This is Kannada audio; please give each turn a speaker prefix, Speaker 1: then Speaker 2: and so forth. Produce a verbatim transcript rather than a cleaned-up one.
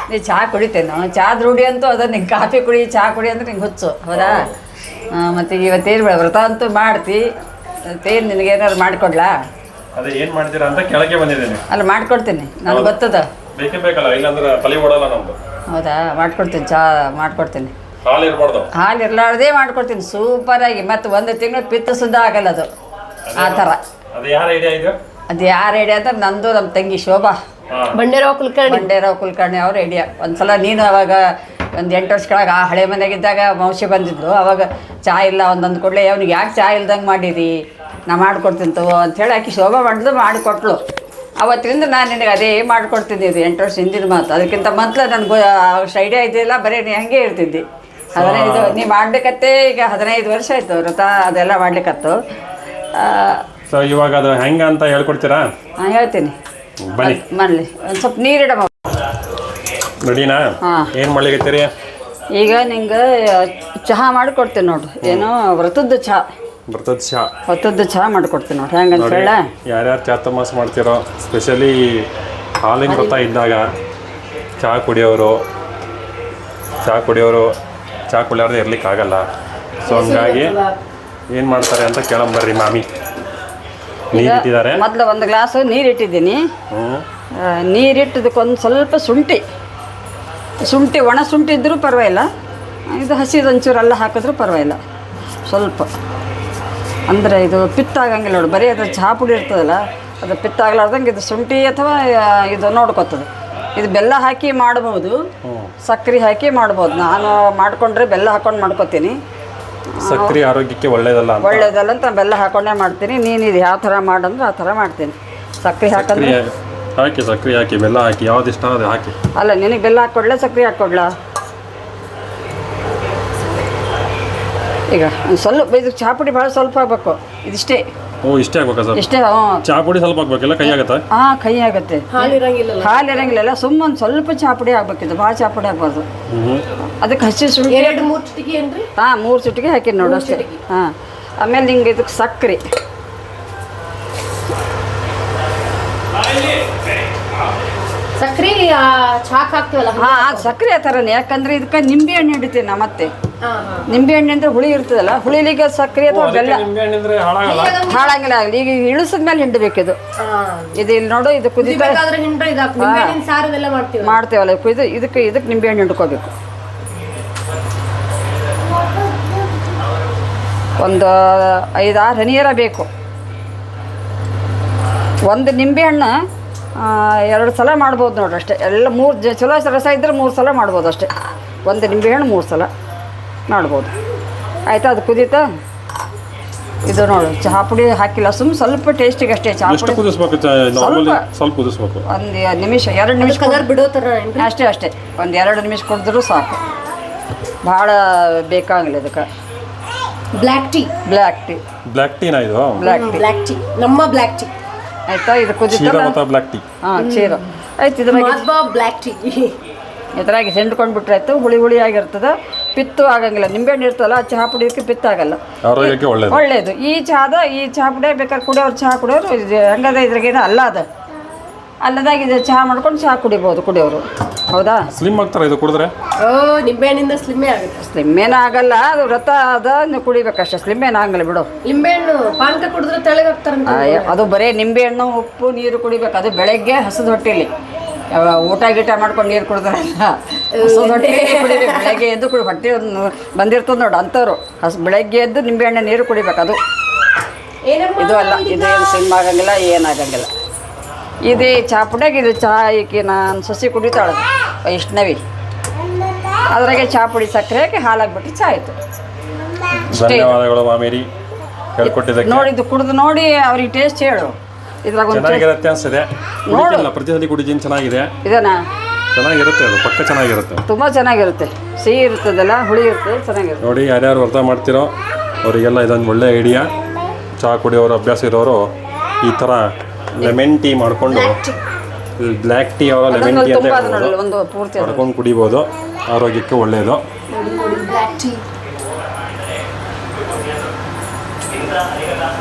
Speaker 1: ನೀ ಚಹಾ ಕುಡಿತೇನೆ ಚಹಾದ ರೂಢಿ ಅಂತೂ ಅದ ನಿಂಗೆ ಕಾಫಿ ಕುಡಿ ಚಹಾ ಕುಡಿ ಅಂದ್ರೆ ನಿಂಗೆ ಹುಚ್ಚು ಹೌದಾ ಮತ್ತು ಇವತ್ತೇನು ವ್ರತ ಅಂತೂ ಮಾಡ್ತಿ ಮತ್ತೇನು ನಿನಗೆ ಏನಾದ್ರು ಮಾಡಿಕೊಡ್ಲಾ
Speaker 2: ಅದೇ ಏನು ಮಾಡ್ತೀರಾ ಅಂತ ಕೆಳಗೆ ಬಂದಿದ್ದೀನಿ
Speaker 1: ಅಲ್ಲ ಮಾಡ್ಕೊಡ್ತೀನಿ ನನಗೆ ಗೊತ್ತದ
Speaker 2: ಬೇಕೇ ಬೇಕಲ್ಲ ಇಲ್ಲಾಂದ್ರೆ ತಲೆ ಓಡಲ್ಲ ನಮ್ದು
Speaker 1: ಹೌದಾ ಮಾಡ್ಕೊಡ್ತೀನಿ ಚಹಾ ಮಾಡ್ಕೊಡ್ತೀನಿ
Speaker 2: ಹಾಲು ಇರ್ಬಾರ್ದು
Speaker 1: ಹಾಲು ಇರ್ಲಾರ್ದೇ ಮಾಡ್ಕೊಡ್ತೀನಿ ಸೂಪರಾಗಿ ಮತ್ತು ಒಂದು ತಿಂಗಳು ಪಿತ್ತ ಸುದ್ದ ಆಗಲ್ಲ ಅದು ಆ ಥರ
Speaker 2: ಅದು ಯಾರ ಐಡಿಯಾ ಇದು
Speaker 1: ಅದು ಯಾರು ಐಡಿಯಾ ಅಂದ್ರೆ ನಂದು ನಮ್ಮ ತಂಗಿ ಶೋಭಾ
Speaker 3: ಬಂಡೇರಾವ್ ಕುಲಕರ್ಣಿ
Speaker 1: ಬಂಡೇರಾವ್ ಕುಲಕರ್ಣಿ ಅವ್ರ ಐಡಿಯಾ ಒಂದ್ಸಲ ನೀನು ಅವಾಗ ಒಂದು ಎಂಟು ವರ್ಷ ಕೆಳಗೆ ಆ ಹಳೆ ಮನೆಗಿದ್ದಾಗ ಮೌಸಿ ಬಂದಿದ್ಲು ಅವಾಗ ಚಹಾ ಇಲ್ಲ ಒಂದೊಂದು ಕೊಡಲೇ ಅವ್ನಿಗೆ ಯಾಕೆ ಚಹಾ ಇಲ್ದಂಗೆ ಮಾಡಿರಿ ನಾ ಮಾಡ್ಕೊಡ್ತೀನಿ ತಗೋ ಅಂಥೇಳಿ ಆಕೆ ಶೋಭಾ ಮಾಡಿದ್ರು ಮಾಡಿಕೊಟ್ಲು ಅವತ್ತಿಂದ ನಾನು ನಿನಗೆ ಅದೇ ಮಾಡ್ಕೊಡ್ತಿದ್ದೆ ಎಂಟು ವರ್ಷ ಹಿಂದಿನ ಮಾತು ಅದಕ್ಕಿಂತ ಮೊದಲು ನನಗೆ ಅಷ್ಟು ಐಡಿಯಾ ಇದ್ದಿಲ್ಲ ಬರೀ ನೀ ಹಂಗೆ ಹೇಳ್ತಿದ್ದಿ ಹದಿನೈದು ನೀ ಮಾಡ್ಲಿಕ್ಕತ್ತೇ ಈಗ ಹದಿನೈದು ವರ್ಷ ಆಯಿತು ವ್ರತ ಅದೆಲ್ಲ ಮಾಡ್ಲಿಕ್ಕತ್ತು
Speaker 2: ಸೊ ಇವಾಗ ಅದು ಹೆಂಗೆ ಅಂತ ಹೇಳ್ಕೊಡ್ತೀರಾ
Speaker 1: ಹಾಂ ಹೇಳ್ತೀನಿ
Speaker 2: ಬನ್ನಿ
Speaker 1: ಮಾಡಲಿ ಒಂದು ಸ್ವಲ್ಪ ನೀರಿಡಮ್ಮ
Speaker 2: ರೆಡಿನಾ
Speaker 1: ಹಾಂ
Speaker 2: ಏನು ಮಾಡ್ಲಿಕತ್ತೀರಿ
Speaker 1: ಈಗ ನಿಂಗೆ ಚಹಾ ಮಾಡಿಕೊಡ್ತೀನಿ ನೋಡ್ರಿ ಏನು ವ್ರತದ ಚಹಾ
Speaker 2: ಬರ್ತದ ಚಹಾ
Speaker 1: ವ್ರತದ ಚಹಾ ಮಾಡಿಕೊಡ್ತೀನಿ ನೋಡ್ರಿ ಹೆಂಗಂತ ಹೇಳ
Speaker 2: ಯಾರ್ಯಾರು ಚಾತುರ್ಮಾಸ ಮಾಡ್ತಿರೋ ಸ್ಪೆಷಲಿ ಹಾಲಿನ ವ್ರತ ಇದ್ದಾಗ ಚಹಾ ಕುಡಿಯೋರು ಚಹಾ ಕುಡಿಯೋರು ಚಹಾ ಕುಡಿಯೋರು ಇರ್ಲಿಕ್ಕೆ ಆಗಲ್ಲ ಸೊ ಹಂಗಾಗಿ ಏನು ಮಾಡ್ತಾರೆ ಅಂತ ಕೇಳಂಬರ್ರಿ ಮಾಮಿ ನೀರಿಟ್ಟಿದ್ದಾರೆ
Speaker 1: ಮೊದಲು ಒಂದು ಗ್ಲಾಸು ನೀರು ಇಟ್ಟಿದ್ದೀನಿ
Speaker 2: ಹ್ಞೂ
Speaker 1: ನೀರಿಟ್ಟದಕ್ಕೊಂದು ಸ್ವಲ್ಪ ಶುಂಠಿ ಶುಂಠಿ ಒಣ ಶುಂಠಿ ಇದ್ದರೂ ಪರವಾಗಿಲ್ಲ ಇದು ಹಸಿದು ಒಂಚೂರೆಲ್ಲ ಹಾಕಿದ್ರೂ ಪರವಾಗಿಲ್ಲ ಸ್ವಲ್ಪ ಅಂದರೆ ಇದು ಪಿತ್ತ ಆಗಂಗಿಲ್ಲ ನೋಡಿ ಬರೀ ಅದು ಚಹಾ ಪುಡಿ ಇರ್ತದಲ್ಲ ಅದು ಪಿತ್ತ ಆಗ್ಲಾರ್ದಂಗೆ ಇದು ಶುಂಠಿ ಅಥವಾ ಇದು ನೋಡ್ಕೊತದೆ ಇದು ಬೆಲ್ಲ ಹಾಕಿ ಮಾಡ್ಬೋದು ಸಕ್ಕರೆ ಹಾಕಿ ಮಾಡ್ಬೋದು ನಾನು ಮಾಡಿಕೊಂಡ್ರೆ ಬೆಲ್ಲ ಹಾಕೊಂಡು ಮಾಡ್ಕೊತೀನಿ
Speaker 2: ಸಕ್ಕರೆ ಆರೋಗ್ಯಕ್ಕೆ ಒಳ್ಳೇದಲ್ಲ
Speaker 1: ಒಳ್ಳೇದಲ್ಲ ಅಂತ ಬೆಲ್ಲ ಹಾಕೊಂಡೇ ಮಾಡ್ತೀನಿ ನೀನು ಇದು ಯಾವ ಥರ ಮಾಡಂದ್ರೆ ಆ ಥರ ಮಾಡ್ತೀನಿ ಸಕ್ಕರೆ ಹಾಕಂದ್ರೆ
Speaker 2: ಹಾಕಿ ಸಕ್ಕರೆ ಹಾಕಿ ಬೆಲ್ಲ ಹಾಕಿ ಯಾವ್ದು ಇಷ್ಟ ಅದು ಹಾಕಿ
Speaker 1: ಅಲ್ಲ ನಿನಗೆ ಬೆಲ್ಲ ಹಾಕ್ಕೊಡ್ಲಾ ಸಕ್ಕರೆ ಹಾಕ್ಕೊಡ್ಲಾ ಈಗ ಒಂದು ಸ್ವಲ್ಪ ಇದು ಚಹಾ ಪುಡಿ ಭಾಳ ಸ್ವಲ್ಪ ಹಾಕ್ಬೇಕು ಇದಿಷ್ಟೇ
Speaker 2: ಓ ಇಷ್ಟೇ ಆಗ್ಬೇಕಾ ಸರ್
Speaker 1: ಇಷ್ಟೇ ಹ್ಞೂ
Speaker 2: ಚಹಾ ಪುಡಿ ಸ್ವಲ್ಪ ಹಾಕ್ಬೇಕಿಲ್ಲ ಕೈ ಆಗತ್ತಾ
Speaker 1: ಹಾಂ ಕೈ ಆಗುತ್ತೆ
Speaker 3: ಹಾಲು ಇರಂಗಿಲ್ಲ
Speaker 1: ಹಾಲು ಇರಂಗಿಲ್ಲ ಸುಮ್ಮನೆ ಸ್ವಲ್ಪ ಚಹಾ ಪುಡಿ ಹಾಕ್ಬೇಕಿದ್ದು ಭಾಳ ಚಹಾ ಪುಡಿ ಹಾಕ್ಬಾರ್ದು ಅದಕ್ಕೆ ಹಸಿ ಶುಂಠಿ
Speaker 3: ಎರಡು ಮೂರು ಚಿಟಿಕೆ ಏನ್ರಿ
Speaker 1: ಹಾಂ ಮೂರು ಚಿಟಿಕೆ ಹಾಕಿ ನೋಡು ಅಷ್ಟೇ ಹಾಂ ಆಮೇಲೆ ನಿಂಗೆ ಇದಕ್ಕೆ ಸಕ್ಕರೆ
Speaker 3: ಸಕ್ರಿ ಚಾಕ್ ಹಾಕ್ತಿವಲ್ಲ
Speaker 1: ಹಾಂ ಅದು ಸಕ್ಕರೆ ಆ ಥರನೇ ಯಾಕಂದ್ರೆ ಇದಕ್ಕೆ ನಿಂಬೆ ಹಣ್ಣು ಹಿಡಿತೀನಿ ನಾ ಮತ್ತೆ ನಿಂಬೆ ಹಣ್ಣು ಅಂದ್ರೆ ಹುಳಿ ಇರ್ತದಲ್ಲ ಹುಳಿಲಿಗೆ ಸಕ್ಕರೆ ಅಥವಾ ಬೆಲ್ಲ ಹಾಳಂಗಿಲ್ಲ ಆಗಲಿ ಈಗ ಇಳಿಸಿದ ಮೇಲೆ ಹಿಂಡಬೇಕಿದು ಇದು ಇಲ್ಲಿ ನೋಡು ಇದು ಕುದಿತಾ ಮಾಡ್ತೇವಲ್ಲ ಕುಯ್ದು ಇದಕ್ಕೆ ಇದಕ್ಕೆ ನಿಂಬೆ ಹಣ್ಣು ಹಿಂಡ್ಕೋಬೇಕು ಒಂದು ಐದಾರು ಹನಿಯರ ಬೇಕು ಒಂದು ನಿಂಬೆ ಹಣ್ಣು ಎರಡು ಸಲ ಮಾಡ್ಬೋದು ನೋಡ್ರಿ ಅಷ್ಟೇ ಎಲ್ಲ ಮೂರು ಜ ಚಲೋ ರಸ ಇದ್ದರೆ ಮೂರು ಸಲ ಮಾಡ್ಬೋದು ಅಷ್ಟೇ ಒಂದು ನಿಂಬೆಹಣ್ಣು ಮೂರು ಸಲ ಮಾಡ್ಬೋದು ಆಯಿತಾ ಅದು ಕುದೀತಾ ಇದು ನೋಡು ಚಹಾ ಪುಡಿ ಹಾಕಿಲ್ಲ ಸುಮ್ಮ ಸ್ವಲ್ಪ ಟೇಸ್ಟಿಗೆ ಅಷ್ಟೇ ಚಹಾ ಪುಡಿ
Speaker 2: ಸ್ವಲ್ಪ ಸ್ವಲ್ಪ ಕುದಿಸ್ಬೇಕು
Speaker 1: ಒಂದು ನಿಮಿಷ ಎರಡು ನಿಮಿಷ
Speaker 3: ಕಲರ್ ಬಿಡೋ ಥರ
Speaker 1: ಅಷ್ಟೇ ಅಷ್ಟೇ ಒಂದು ಎರಡು ನಿಮಿಷ ಕುಡಿದ್ರೂ ಸಾಕು ಭಾಳ ಬೇಕಾಗಿಲ್ಲ ಇದಕ್ಕೆ
Speaker 3: black tea
Speaker 1: black tea
Speaker 2: black ಟೀನಾ ಇದು
Speaker 1: ಬ್ಲ್ಯಾಕ್ ಟೀ
Speaker 3: ಬ್ಲ್ಯಾಕ್ ಟೀ ನಮ್ಮ ಬ್ಲ್ಯಾಕ್ ಟೀ
Speaker 1: ಆಯ್ತಾ ಇದು ಕುದಿತ
Speaker 2: ಬ್ಲ್ಯಾಕ್ ಟೀ
Speaker 1: ಹಾಂ ಕ್ಷೀರ ಆಯ್ತು ಇದ್ರಾಗ
Speaker 3: ಬ್ಲ್ಯಾಕ್ ಟೀ
Speaker 1: ಇದ್ರಾಗ ಹಿಂಡ್ಕೊಂಡು ಬಿಟ್ರಾಯ್ತು ಹುಳಿ ಹುಳಿ ಆಗಿರ್ತದೆ ಪಿತ್ತು ಆಗಂಗಿಲ್ಲ ನಿಂಬೆಹಣ್ಣು ಇರ್ತಲ್ಲ ಚಹಾ ಪುಡಿಯೋಕ್ಕೆ ಪಿತ್ತ ಆಗಲ್ಲ
Speaker 2: ಆರೋಗ್ಯಕ್ಕೆ ಒಳ್ಳೇದು
Speaker 1: ಒಳ್ಳೇದು ಈ ಚಹಾದ ಈ ಚಹಾ ಪುಡಿ ಬೇಕಾದ್ರೆ ಕುಡಿಯೋರು ಚಹಾ ಕುಡಿಯೋರು ಹಂಗದ ಇದ್ರಾಗೇನು ಅಲ್ಲ ಅದು ಅಲ್ಲದಾಗ ಇದು ಚಹಾ ಮಾಡ್ಕೊಂಡು ಚಹಾ ಕುಡಿಬೋದು ಕುಡಿಯೋರು ಹೌದಾ
Speaker 2: ಸ್ಲಿಮ್ ಆಗ್ತಾರೆ ಇದು ಕುಡಿದ್ರೆ
Speaker 3: ಓ ನಿಂಬೆಹಣ್ಣಿಂದ ಸ್ಲಿಮ್ಮೇ ಆಗುತ್ತೆ
Speaker 1: ಸ್ಲಿಮ್ ಏನು ಆಗಲ್ಲ ಅದು ವ್ರತ ಅದ ನೀವು ಕುಡಿಬೇಕಷ್ಟೇ ಸ್ಲಿಮ್ ಏನು ಆಗಲ್ಲ ಬಿಡು
Speaker 3: ನಿಂಬೆಹಣ್ಣು ಪಾನಕ ಕುಡಿದ್ರೆ ತೆಳಗಾಗ್ತಾರಂತ
Speaker 1: ಅದು ಬರೀ ನಿಂಬೆಹಣ್ಣು ಉಪ್ಪು ನೀರು ಕುಡಿಬೇಕು ಅದು ಬೆಳಗ್ಗೆ ಹಸಿದ ಹೊಟ್ಟೆಲಿ ಊಟ ಗೀಟ ಮಾಡ್ಕೊಂಡು ನೀರು ಕುಡಿದ್ರಲ್ಲ ಹಸಿದ ಹೊಟ್ಟೆ ಕುಡಿಬೇಕು ಬೆಳಗ್ಗೆ ಎದ್ದು ಕುಡಿ ಹೊಟ್ಟೆ ಬಂದಿರ್ತದೆ ನೋಡು ಅಂಥವ್ರು ಹಸ್ ಬೆಳಗ್ಗೆ ಎದ್ದು ನಿಂಬೆಹಣ್ಣು ನೀರು ಕುಡಿಬೇಕು ಅದು ಇದು ಅಲ್ಲ ಇದೇನು ಸ್ಲಿಮ್ ಆಗಂಗಿಲ್ಲ ಏನಾಗಂಗಿಲ್ಲ ಇದೇ ಚಹಾ ಪುಡಿಯಾಗ ಇದು ಚಹಾ ಈಕಿ ನಾನು ಸಸಿ ಕುಡಿತಾಳೆ ವೈಷ್ಣವಿ ಅದ್ರಾಗೆ ಚಹಾ ಪುಡಿ ಸಕ್ಕರೆ ಹಾಕಿ ಹಾಲಾಗ್ಬಿಟ್ಟು ಚಹಾ ಆಯಿತು
Speaker 2: ಧನ್ಯವಾದಗಳು ಮಾಮೇರಿ ಹೇಳ್ಕೊಟ್ಟಿದ್ದಕ್ಕೆ
Speaker 1: ನೋಡಿದ್ದು ಕುಡಿದು ನೋಡಿ ಅವ್ರಿಗೆ ಟೇಸ್ಟ್ ಹೇಳು ಇದ್ರಾಗ ಒಂದು
Speaker 2: ಚೆನ್ನಾಗಿರುತ್ತೆ ಅನ್ಸಿದೆ ನೋಡಿಲ್ಲ ಪ್ರತಿ ಸಲ ಕುಡಿದೀನಿ ಚೆನ್ನಾಗಿದೆ
Speaker 1: ಇದನ್ನ
Speaker 2: ಚೆನ್ನಾಗಿರುತ್ತೆ ಅದು ಪಕ್ಕ ಚೆನ್ನಾಗಿರುತ್ತೆ
Speaker 1: ತುಂಬ ಚೆನ್ನಾಗಿರುತ್ತೆ ಸಿಹಿ ಇರ್ತದಲ್ಲ ಹುಳಿ ಇರ್ತದೆ ಚೆನ್ನಾಗಿರುತ್ತೆ
Speaker 2: ನೋಡಿ ಯಾರ್ಯಾರು ಅರ್ಥ ಮಾಡ್ತಿರೋ ಅವರಿಗೆಲ್ಲ ಇದೊಂದು ಒಳ್ಳೆ ಐಡಿಯಾ ಚಹಾ ಕುಡಿಯೋರು ಅಭ್ಯಾಸ ಇರೋರು ಈ ಥರ ಲೆಮನ್ ಟೀ ಮಾಡಿಕೊಂಡು ಬ್ಲ್ಯಾಕ್ ಟೀ ಅವರ ಲೆಮನ್ ಟೀ ಅಂತ
Speaker 1: ಒಂದು ಪೂರ್ತಿ
Speaker 2: ಮಾಡ್ಕೊಂಡು ಕುಡಿಬೋದು ಆರೋಗ್ಯಕ್ಕೆ ಒಳ್ಳೆಯದು
Speaker 3: ಬ್ಲ್ಯಾಕ್ ಟೀ